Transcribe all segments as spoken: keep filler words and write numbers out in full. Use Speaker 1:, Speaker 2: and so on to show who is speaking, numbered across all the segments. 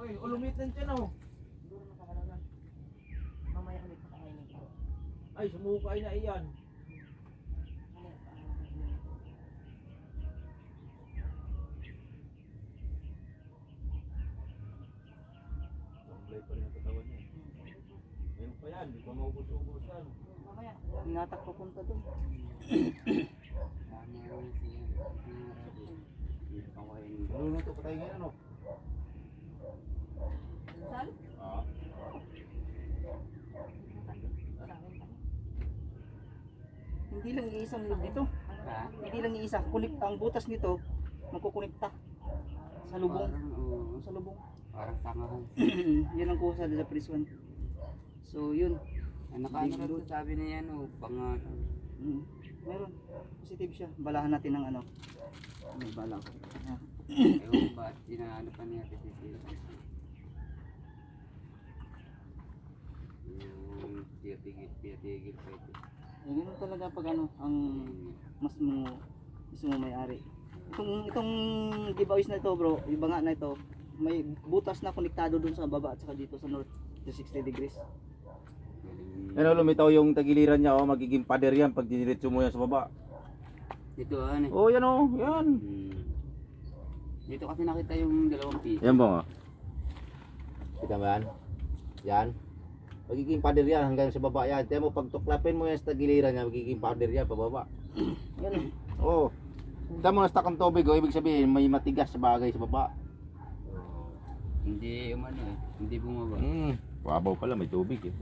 Speaker 1: Ay, ulumit ng tiyan oh.
Speaker 2: Siguro nakakalaw lang. Mamaya ulit pakainin ko.
Speaker 1: Ay, sumukay na iyan.
Speaker 2: Mamaya pakainin ko.
Speaker 1: Lamblay pa rin ang katawan niya. Meron pa yan, di pa maubos-ubos yan.
Speaker 2: Mamaya.
Speaker 3: Tinatak ko punta doon.
Speaker 1: Naluluto pa tayo ngayon, ano?
Speaker 2: Saan?
Speaker 1: Ah.
Speaker 3: Hindi lang iisang load nito.
Speaker 4: Ha?
Speaker 3: Hindi lang iisa. Kunik ang butas nito magkukonekta sa lubong.
Speaker 4: Parang, oo,
Speaker 3: Sa lubong.
Speaker 4: parang sangahan.
Speaker 3: Yan ang kusa sa press one. So yun.
Speaker 4: Ano ka ano rin sabi niya yan o pang uh,
Speaker 3: Mm. Meron. Positive siya. Balahan natin ng ano. May bala ko. Ah.
Speaker 4: ewan ba inaano pa niya kasi sila yung tiyatigil tiyatigil pa ito.
Speaker 3: Eh, ganun talaga pag ano ang mas mo gusto mo may-ari. Itong itong giveaways na ito, bro, yung banga na ito, may butas na konektado dun sa baba at saka dito sa north to sixty degrees.
Speaker 1: Ano, lumitaw yung tagiliran niya, oh, magiging pader yan pag diniretso mo yan sa baba.
Speaker 4: Dito ano
Speaker 1: Oh, yan oh, yan.
Speaker 4: hmm. Dito kasi nakita yung dalawang piso.
Speaker 1: Yan ba nga? Kita mo yan? Yan. Magiging pader yan hanggang sa baba yan. Tiyan mo, pag tuklapin mo yan sa tagiliran niya, magiging pader yan pababa.
Speaker 3: Yan.
Speaker 1: Oo. Oh. Tiyan mo, na-stuck ang tubig, oh, ibig sabihin may matigas sa bagay sa baba.
Speaker 4: Hindi umano eh, hindi bumaba.
Speaker 1: Hmm, wabaw pala, may tubig eh.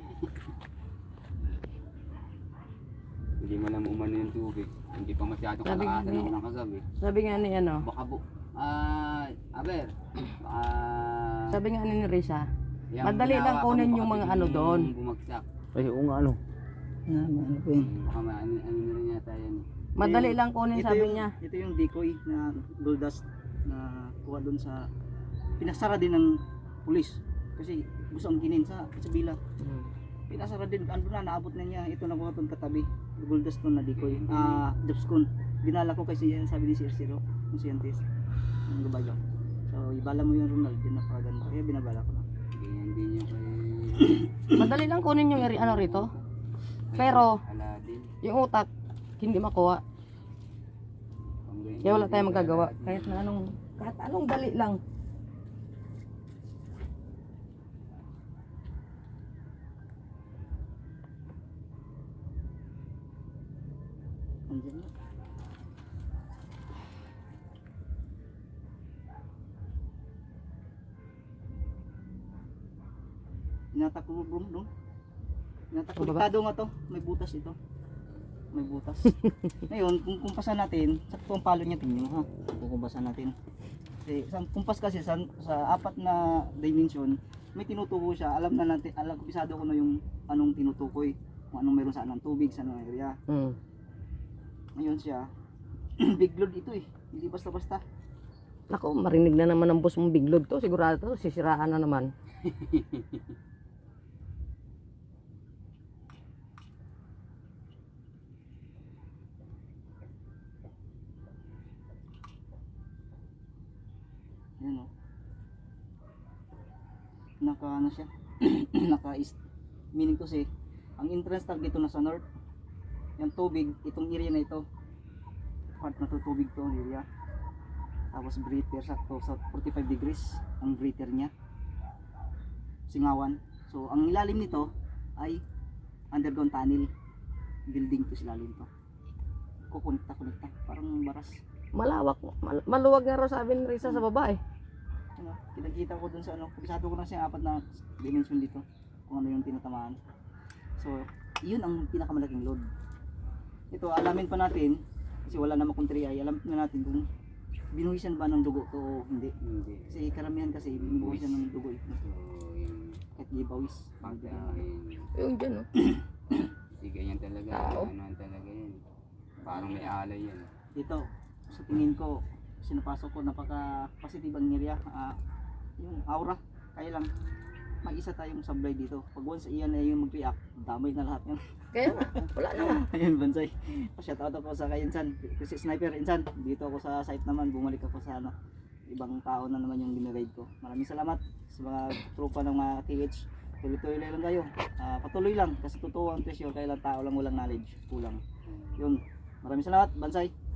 Speaker 4: Hindi mo alam umano yung tubig. Hindi pa masyadong
Speaker 5: Sabi nga
Speaker 4: kalakasan
Speaker 5: ni-
Speaker 4: ako ng kagabi.
Speaker 5: Sabi nga ni ano,
Speaker 4: Baka bu... Ah, aber. Baka...
Speaker 5: sabi nga ni Risa,
Speaker 4: yung
Speaker 5: madali lang
Speaker 4: hinahawakan
Speaker 5: kunin
Speaker 4: mo,
Speaker 5: yung
Speaker 4: baka
Speaker 5: mga
Speaker 4: biglang
Speaker 5: ano doon.
Speaker 4: Bumagsak.
Speaker 1: Ay, oo nga ano.
Speaker 3: Na, ano ko yun.
Speaker 4: Hmm, Baka ma... Ano, ano na rin yata yan.
Speaker 5: Madali
Speaker 3: Ito yung-
Speaker 5: lang kunin,
Speaker 3: ito
Speaker 5: sabi
Speaker 3: yung,
Speaker 5: niya.
Speaker 3: Ito yung decoy na gold dust na kuha doon sa pinasara din ng pulis kasi gusto ang ginin sa sa bila. Pinasara din ano na naabot na niya ito na kuha doon katabi gold dust doon na decoy. Ah, Jobscon. Dinala ko kasi yan sabi ni Sir Siro, yung scientist. Ang gabayo. So ibala mo yung Ronald din napakaganda. Kaya binabala ko na.
Speaker 4: Ganyan din yung kay...
Speaker 5: Madali lang kunin yung eri- ano rito. Pero
Speaker 4: Aladdin.
Speaker 5: yung utak hindi makuha.
Speaker 4: Pang ganyan
Speaker 5: Kaya wala
Speaker 4: din
Speaker 5: tayong
Speaker 4: kay
Speaker 5: magagawa.
Speaker 4: Aladdin.
Speaker 5: Kahit na anong kahit anong dali lang.
Speaker 3: Andiyan na. Inatak ko bro, bro. Inatak ko.
Speaker 5: Ano ba?
Speaker 3: Konektado nga to. May butas ito. May butas. Ngayon, kung kumpasan natin, sa kung palo niya tingnan mo ha. Kung kumpasan natin. Kasi sa kumpas kasi sa, sa apat na dimension, may tinutukoy siya. Alam na natin, alam ko pisado ko na yung anong tinutukoy. Kung anong meron sa anong tubig, sa anong area.
Speaker 5: Hmm.
Speaker 3: Ngayon siya, big load ito eh. Hindi basta-basta.
Speaker 5: Nako, marinig na naman ng boss mong biglod to. Sigurado to, sisiraan na naman.
Speaker 3: Yan o. Naka ano siya? Naka is meaning to say, ang entrance tag dito nasa north. Yung tubig, itong area na ito. Part na to tubig to area. Tapos breather sakto sa forty-five degrees ang breather niya. Singawan. So ang ilalim nito ay underground tunnel. Building to sa ilalim to. Kukonekta konekta parang baras.
Speaker 5: Malawak, mal- maluwag nga raw sabi ni Risa sa baba eh.
Speaker 3: Ano, kinakita ko dun sa ano, kabisado ko na siya apat na dimension dito kung ano yung tinatamaan. So, yun ang pinakamalaking load. Ito, alamin pa natin kasi wala namang country ay alam na natin kung binuhisan ba ng dugo to o hindi.
Speaker 4: Hindi.
Speaker 3: Kasi karamihan kasi binuhisan ng dugo ito.
Speaker 4: So, yung
Speaker 3: Kahit gibawis.
Speaker 4: pagkain.
Speaker 5: Yung dyan oh.
Speaker 4: Kasi ganyan talaga.
Speaker 5: Tao.
Speaker 4: Ano talaga yan. Parang may alay yan.
Speaker 3: Dito, sa tingin ko, sinapasok ko napaka positive ang area. Ah, yung aura, kaya lang may isa tayong sablay dito. Pag once iyan ay yung mag-react, damay na lahat yan.
Speaker 5: Kaya nga, wala naman.
Speaker 3: Ayun, Bansay. Pa-shout out ako sa kay Insan. Kasi sniper Insan. Dito ako sa site naman, bumalik ako sa ano. ibang tao na naman yung ginagayad ko. Maraming salamat sa mga tropa ng mga T H. Tuloy-tuloy lang kayo. Ah, patuloy lang kasi totoo ang presyo, kailan tao lang walang knowledge, kulang. Yun. Maraming salamat, Bansay.